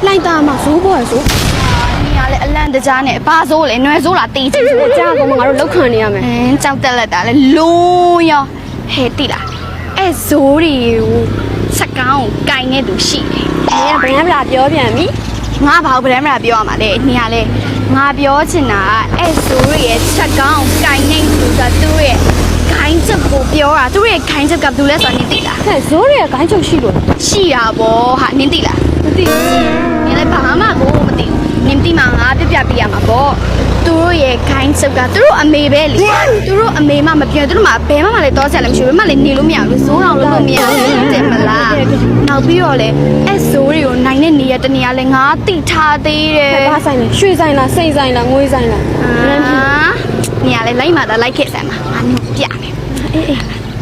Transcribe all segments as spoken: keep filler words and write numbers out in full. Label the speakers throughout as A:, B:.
A: လိုက်တာမှဇိုးပေါ်ရဆိုနေရလေအလန့်တကြားနဲ့ဘာဇိုးလဲနွယ်ဇိုးလားတေးချင်ကြားကောင်မငါတို့လောက်ခံနေရမယ်အင်းကြောက်တက်လက်တာလေလုံးရောဟဲတိလားအဲ့ဇိုးတွေကိုစကောင်းကိုကင်နေသူရှိတယ်။နင်ကဗရန်ဗလာပြောပြန်ပြီ။ငါဘာလို့ဗရန်ဗလာပြောရမှာလဲ။နင်ကလေငါပြောချင်တာအဲ့ဇိုးရဲ့စကောင်းကိုကင်နေသူကသူ့ရဲ့ခိုင်းချက်ကိုပြောတာသူ့ရဲ့ခိုင်းချက်ကဘယ်လိုလဲဆိုတာနင်သိလား။ဟဲ့ဇိုးရဲ့ခိုင်းချက်ရှိလို့ရှိရပါဟာနင်သိလား။မသိဘူး။နင်လည်းဘာမှကိုမသိဘူး။နင်သိမှငါပြပြပြရမှာပေါ့။သူတို့ရဲ့ခိုင်းချက်ကသူတို့အမေပဲလေသူတို့အမေမှမပြောသူတို့မှဘယ်မှမလဲတော့ဆက်လည်းမရှိဘူးဘယ်မှလည်းနေလို့မရဘူးဇိုးအောင်လို့လို့မရဘူးတဲ့မလားနောက်ပြီးတော့လေအဲ့ဇိုးတွေကိုနိုင်တဲ့နေရတနေရာလဲငါတိထားသေးတယ်ဘာဆိုင်လဲရွှေဆိုင်လားစိတ်ဆိုင်လားငွေဆိုင်လားအာနေရာလဲလိုက်မှသာလိုက်ခဲ့ဆိုင်မှာငါမျိုးပြမယ်အေးအေး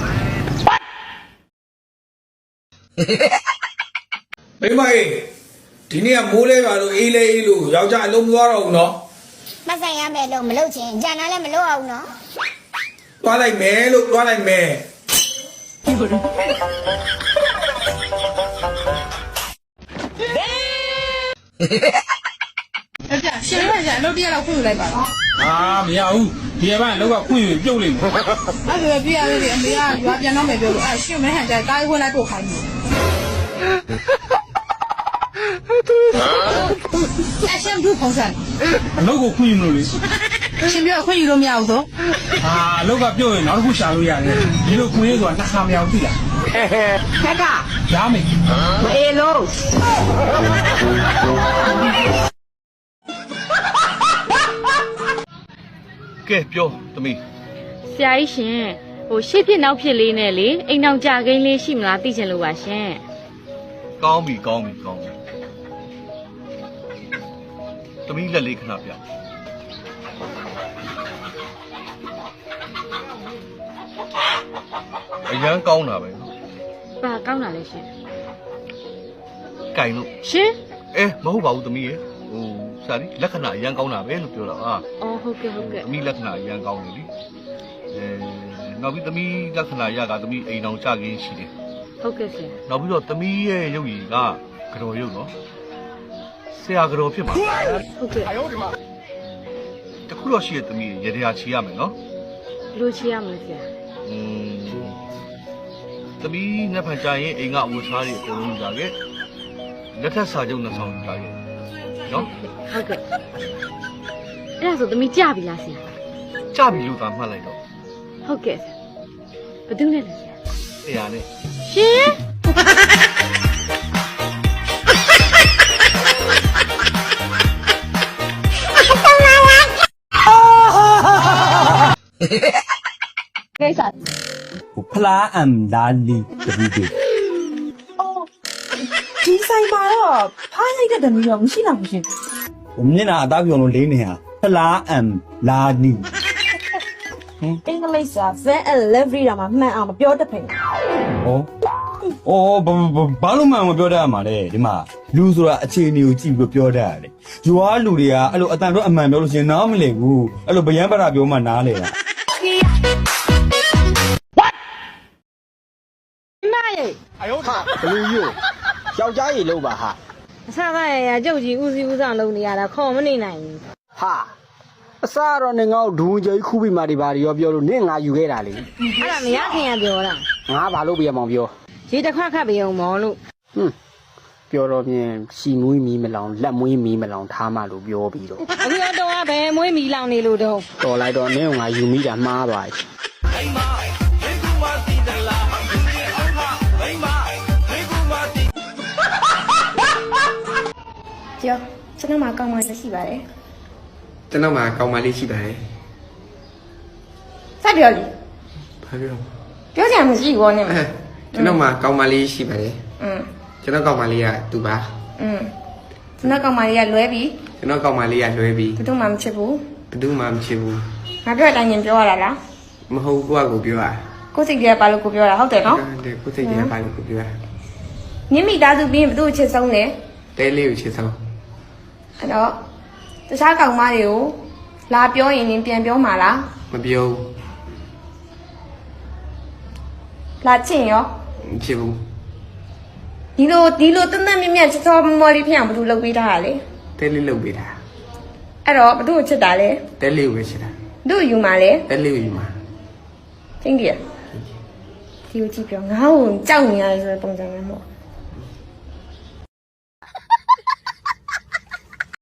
B: မိမကြီးဒီနေ့ကမိုးလဲပါလို့အေးလဲအေးလို့ယောက်ျားအလုံးမသွားတော့ဘူးနော်
C: မဆိုင်ရမယ်လို့မလုပ်ချင်ဂျန်နာလည်းမလုပ်အောင်နော်
B: သွားလိုက်မယ်လို့သွားလိုက်မယ်
D: အဲ့ဒါရှင်ရရလောက်တရလောက်ခွင့်ယူလိုက်ပါတော့
E: အာမရဘူးဒီကဘာလောက်ကခွင့်ယူပြုတ်လိမ့်မယ်
D: အဲ့ဒါပြရလေအမေကရွာပြန်တော့မယ်ပြောလို့အဲ့ရှင်မဲဟန်ကြတားခွင့်လိုက်ပို့ခိုင်းတယ်အရှင်ဘူးပုံစံ
E: အလုပ်ကိုခွင့်ယူလို့လေ
D: ရှင်ပြောခွင့်ယူလို့မရဘူးဆို
E: အာအလုပ်ကပြုတ်ရင်နောက်တစ်ခုရှာလို့ရတယ်ဒီလိုခွင့်ရဆိုတာနှစ်ခါမရဘူးသိလား
D: ခက်က
E: ရမယ်
D: မအေးလို့
F: ကဲပြောသမီး
G: ဆရာကြီးရှင်ဟိုရှေ့ဖြစ်နောက်ဖြစ်လေးနဲ့လေအိမ်အောင်ကြကိန်းလေးရှိမလားသိချင်လို့ပါရှင်
F: ကောင်းပြီကောင်းပြီကောင်းပြီသမီးလက်လေးခဏပြအရန်ကောင်းတာပဲ
G: ဘာကောင်းတာလဲရှင်
F: ကင်လို့
G: ရှင်
F: အဲမဟုတ်ပါဘူးသမီးရေဟိုစာရီလက္ခဏာအရန်ကောင်းတာပဲလို့ပြောတာအာ
G: အော်ဟုတ်ကဲ့ဟုတ်ကဲ့
F: သမီးလက္ခဏာအရန်ကောင်းတယ်လीအဲနောက်ပြီးသမီးလက္ခဏာရကသမီးအိမ်အောင်ကြခင်းရှိတယ်
G: ဟုတ်ကဲ့ဆရာ
F: နောက်ပြီးတော့သမီးရဲ့ရုပ်ရည်ကကြော်ရုပ်နော်ဆရာကြော်ဖြစ်မှာ
G: ဟုတ်ကဲ့
F: တခုတော့ရှိရသမီးရေတရားချီရမယ်နော်
G: လိုချီရမလဲဆရာ
F: อืมသမီးနှစ်ဖန်ကြရင်အိမ်ကအဝတ်စားတွေအကုန်လုံးကြခဲ့လက်ထက်စာချုပ်နှစ်ဆောင်ကြခဲ့နော်
G: ဟုတ်ကဲ့အဲ့ဒါဆိုသမီးကြပြီလားဆရာ
F: ကြပြီလို့သာမှတ်လိုက်တော့
G: ဟုတ်ကဲ့ဘယ်သူနဲ့လဲဆရာ
F: ဆရာနဲ့
G: ရှင်
A: ကိစ္စ
H: ဖလားအမ်လာလီတပူးပေး
D: အော်ဒီဆိုင်မှာတော့ဖားလိုက်တဲ့တမျိုးတော့မရှိတော့ဘူးရှင်
H: ဟိုမျက်နှာအသားပြုံလို့လေးနေဟာဖလားအမ်လာလီ
D: အင်္ဂလိပ်စာ van and livery တာမှမှန်အောင်မပြောတတ်ဖင်
H: ဟောအော်ဘာလို့မှန်မပြောတတ်ရမှာလဲဒီမှာလူဆိုတာအခြေအနေကိုကြည့်ပြီးပြောတတ်ရတယ်ယူအားလူတွေကအဲ့လိုအတန်တော့အမှန်ပြောလို့ရှင်နားမလည်ဘူးအဲ့လိုဗျံပရာပြောမှနားလေတာ
I: 哎呦他，不是有，小家也漏吧哈。
J: ဆရာကရကြုတ်ကြီးဦးစီးဦးဆောင်လုပ်နေရတာခေါ်မနေနိုင်ဘူး
I: ဟာအစားတော့နေငါ့ဒူးကြီးခုပြီးမှဒီပါရောပြောလို့နင့်ငါယူခဲ့တာလေ
J: အဲ့ဒါမရခင်ကပြောတာ
I: ငါဘာလို့ပြရမောင်ပြော
J: ရေတစ်ခွက်ခတ်ပြအောင်မော်လို့
I: ဟွန်းပြောတော့ပြင်ရှီမွေးမီမလောင်လက်မွေးမီမလောင်ထားမှလို့ပြောပြီးတော့
J: အခုတော့ကဘယ်မွေးမီလောင်နေလို့တော့
I: တော်လိုက်တော့နင့်ငါယူမိတာမှားပါ့
A: ကျော်ကျွန်တော်မှာကောင်းမှလည်းရှိပါတယ်
K: ကျွန်တော်မှာကောင်းမှလေးရှိပါတယ်
A: စပြောလေ
K: ဘာပြော
A: ပြောချင်မှရှိဘောနဲ့
K: ကျွန်တော်မှာကောင်းမှလေးရှိပါတယ်
A: อืม
K: ကျွန်တော်ကောင်းမှလေးကသူပါ
A: อืมကျွန်တော်ကောင်းမှလေးကလွဲပြီ
K: ကျွန်တော်ကောင်းမှလေးကလွဲပြီ
A: ဘယ်သူမှမချစ်ဘူး
K: ဘယ်သူမှမချစ်ဘူး
A: ငါပြောတဲ့အတိုင်းပြောရတာလား
K: မဟုတ်ကိုကကိုပြောတာ
A: ကိုစိတ်ကြီးကဘာလို့ကိုပြောတာဟုတ်တယ်နော်
K: ဟုတ်တယ်ကိုစိတ်ကြီးကဘာလို့ကိုပြောတာ
A: ညမိသားစုပြီးရင်ဘယ်သူ့ချစ်ဆုံးလဲ
K: တဲလေးကိုချစ်ဆုံး
A: အဲ့တော့တခြားကောင်မတွေကိုလာပြောရင်ရင်ပြန်ပြောမှာလား
K: မပြောဘူး
A: လာချင်ရော
K: မချစ်ဘူး
A: ရ
J: ဒီလိုဒီလိုတန်းတန်းမြတ်မြတ်ချောချောမော်လေးဖြစ်အောင်ဘယ်သူလုပ်ပေးထားတာလဲ
K: တဲလေးလုပ်ပေးတာ
J: အဲ့တော့ဘယ်သူ့ကိုချစ်တာလဲ
K: တဲလေးကိုပဲချစ်တာ
J: ဘယ်သူ့ကိုယူမှာလဲ
K: တဲလေးကိုယူမှာ
J: ကျင်းကြီးဒီကိုကြည့်ပြောငါ့ကိုကြောက်နေရတယ်ဆိုတဲ့ပုံစံမျိုးမဟုတ်